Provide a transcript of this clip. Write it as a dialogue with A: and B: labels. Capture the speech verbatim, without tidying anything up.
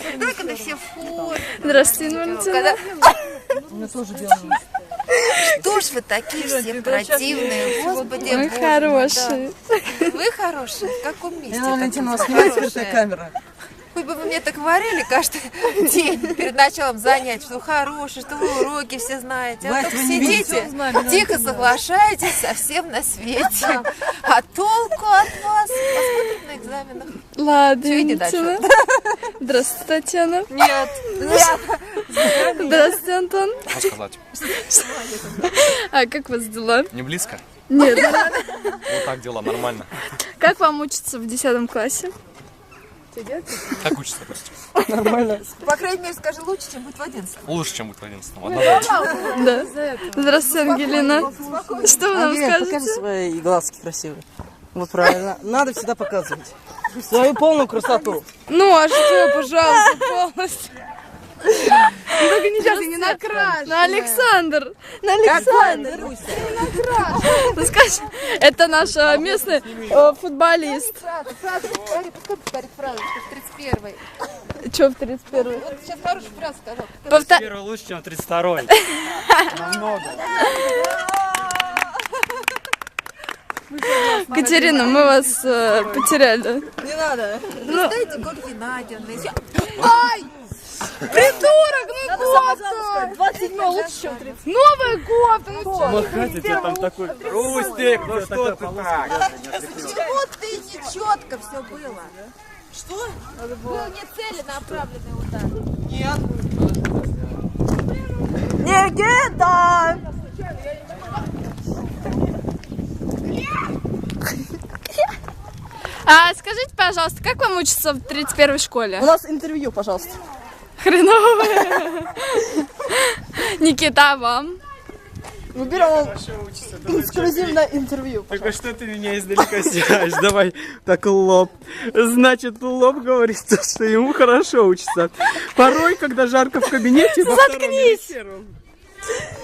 A: Да, когда все фото.
B: Здравствуйте, Валентина.
C: У меня тоже белый.
A: Что ж вы такие все противные, господи.
B: Вы хорошие.
A: Вы хорошие? В каком месте?
C: Я, Валентина, у вас снимает скрытая камера.
A: Хоть бы вы мне так говорили каждый день перед началом занятий, что вы хорошие, что вы уроки все знаете. А только сидите, тихо соглашаетесь со всем на свете. А толку от вас? Посмотрим на экзаменах.
B: Ладно,
A: Все, иди
B: Валентина. Здравствуйте, Татьяна.
A: Нет.
B: Здравствуйте, Антон.
D: Что сказать?
B: А как у вас дела?
D: Не близко?
B: Нет.
D: Вот так дела, нормально.
B: Как вам учиться в десятом классе?
D: Как учится, Костя?
C: Нормально.
A: По крайней мере, скажи, лучше, чем быть в одиннадцатом.
D: Лучше, чем быть в одиннадцатом. Однозначно.
B: Да. Здравствуйте, Ангелина. Что вы нам
C: Ангелина, покажи
B: скажете?
C: свои глазки красивые. Вот правильно. Надо всегда показывать свою полную красоту.
B: Ну, а что, пожалуйста, полностью. Только не сейчас, не накрашенная. На Александр. На Александр. Ну, скажи, это наш э, местный э, футболист.
A: Фраза, фраза, повтори, пускай повторит фразу, что в тридцать первой.
B: Че в тридцать первый?
A: Вот сейчас хорошую фразу сказал.
B: Повтор...
E: Первый лучше, чем тридцать второй. Намного.
B: Катерина, мы вас э, потеряли.
C: Не надо.
A: Ну, дайте Ольге Надиной.
B: Ай! Придурок, ну кофта!
C: двадцать седьмой лучше, чем тридцать.
B: Новая кофта, ну чё?
E: Махать у тебя там такой. Рустик, ну что ты так?
A: Почему ты не четко все было? Что? Был не целенаправленный удар.
B: Никита! А скажите, пожалуйста, как вам учиться в тридцать первой школе?
C: У нас интервью, пожалуйста.
B: Хреново. Никита, а вам?
C: Мы берем эксклюзивное интервью.
E: Так что ты меня издалека снимаешь? Давай так лоб. Значит, лоб говорит, что ему хорошо учится. Порой, когда жарко в кабинете... Заткнись!